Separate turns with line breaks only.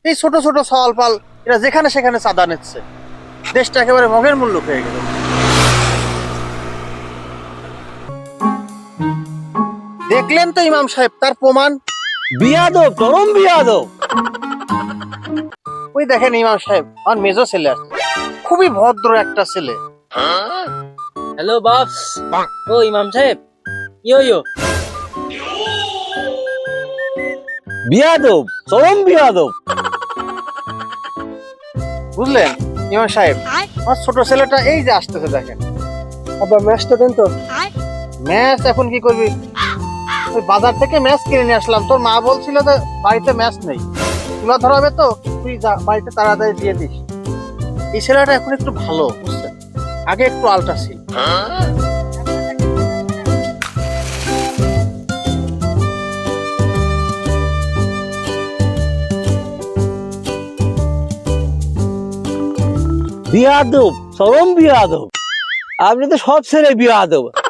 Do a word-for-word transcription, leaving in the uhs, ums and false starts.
এই ছোট ছোট সওয়াল পাল এরা যেখানে সেখানে চাঁদা নিচ্ছে, দেশটা একেবারে মগের মূল্য হয়ে গেল। দেখলেন তো ইমাম সাহেব, তার প্রমাণ।
বিয়াদব, চরম বিয়াদব।
ওই দেখেন ইমাম সাহেব, আমার মেজো ছেলে আসছে, খুবই ভদ্র একটা ছেলে।
হ্যালো বাপস। ও ইমাম সাহেব, ইয়ো ইয়ো।
বিয়াদব, চরম বিয়াদব।
বুঝলেন ইমাম সাহেব, আমার ছোট ছেলেটা এই যে আসতেছে, দেখেন।
আবার ম্যাচটা দেন তো।
ম্যাচ এখন কি করবি? ওই বাজার থেকে ম্যাচ কিনে নিয়ে আসলাম, তোর মা বলছিল যে বাড়িতে ম্যাচ নেই, তুলা ধরাবে তো তুই যা বাড়িতে তাড়াতাড়ি দিয়ে দিস। এই ছেলেটা এখন একটু ভালো, বুঝছেন, আগে একটু আলটা ছিল।
বিয়াদব, চরম বিয়াদব। আপনি তো সব ছেলে বিয়াদব।